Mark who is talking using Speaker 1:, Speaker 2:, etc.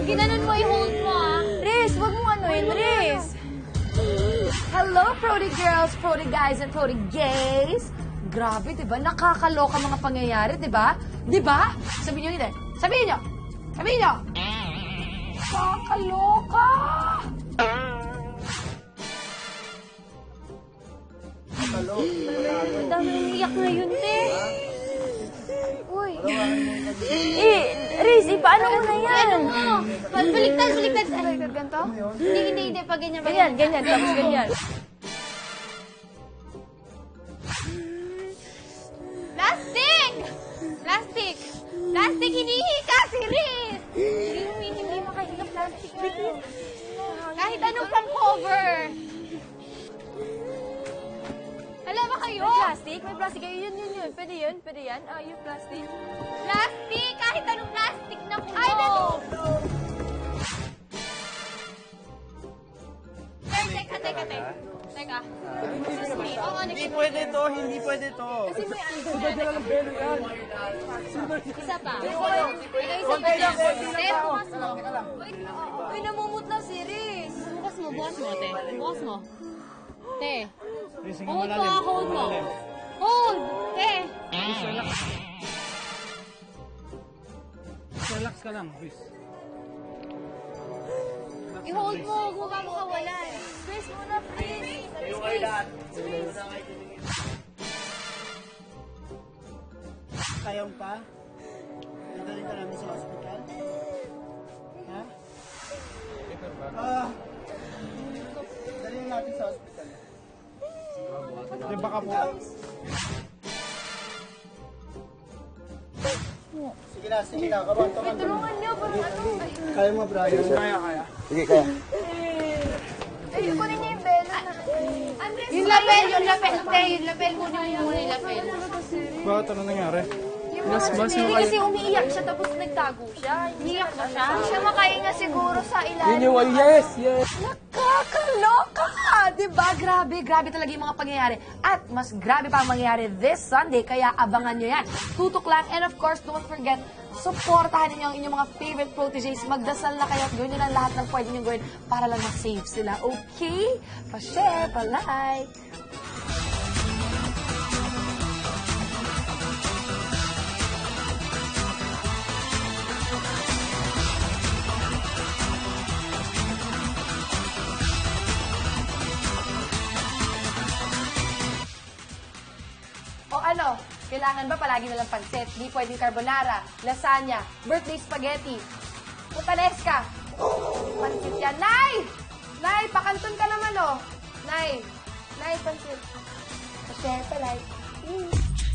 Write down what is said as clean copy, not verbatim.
Speaker 1: Pag ginanon mo, i-hold mo, ah.
Speaker 2: Riz, wag mo anuin, Riz. Hello, Prodi girls, Prodi guys, and Prodi gays. Grabe, di ba? Nakakaloka mga pangyayari, di ba? Di ba? Sabihin nyo hindi. Sabihin nyo. Sabihin nyo. Nakakaloka.
Speaker 1: Ang dami umiyak ngayon, te. Uy.
Speaker 2: Riz, paano mo na yan?
Speaker 1: Ano mo? Baliktad, baliktad.
Speaker 2: Baliktad ganito?
Speaker 1: Hindi. Pag ganyan,
Speaker 2: Ganyan, tapos ganyan.
Speaker 1: Plastic! Plastic, hinihika si Riz! Hindi makahinga plastic na. Kahit anong pang cover. Alam ba kayo?
Speaker 2: May plastic kayo. Yun. Pwede yun? Pwede yan? Yung plastic.
Speaker 1: Plastic! Kahit anong plastic na kuno.
Speaker 2: Ay, dito!
Speaker 1: Teka. Excuse me. Oo,
Speaker 3: Hindi pwede to, hindi pwede to.
Speaker 1: Kasi may isa pa. Isa pa lang. Te, bukas mo.
Speaker 2: Uy, namumutla si Riz.
Speaker 1: Bukas mo, te. Bukas mo. Te.
Speaker 3: Racing
Speaker 1: Hold mo, hold mo. Hold! Te.
Speaker 3: Relax ka lang, Chris.
Speaker 1: I-hold mo, huwag mo makawalan.
Speaker 2: Riz muna, please.
Speaker 3: Kaya mo pa? Dadalhin ka namin sa hospital? Ha? Dalhin natin sa hospital. Di baka po. Sige na. Kabanto.
Speaker 2: Tulungan niyo, parang ano.
Speaker 3: Kaya mo, Brian. Kaya.
Speaker 4: Sige, kaya.
Speaker 2: Ay, kunin niyo yung belo na.
Speaker 1: Yung lapel. Te, yung lapel. Kunin mo muna yung lapel.
Speaker 3: Bakit ano nangyari?
Speaker 2: Hindi kasi umiiyak siya tapos nagtago siya.
Speaker 1: Iyak ba siya?
Speaker 2: Hindi siya makahinga siguro sa ilalim.
Speaker 4: Yes!
Speaker 2: Nakakaloka! Diba? Grabe talaga yung mga pangyayari. At mas grabe pa ang mangyayari this Sunday, kaya abangan nyo yan. Tutok lang. And of course, don't forget, supportahan ninyo ang inyong mga favorite proteges. Magdasal na kayo at gawin nyo lang lahat ng pwede nyo gawin para lang ma-save sila. Okay? Pa-share, pa-like. O ano, kailangan ba palagi na lang pansit? Di pwedeng carbonara, lasagna, birthday spaghetti, putanesca. Pansit yan. Nay! Nay, pakanton ka naman, oh. Nay, pansit. Pa-share, pa-like.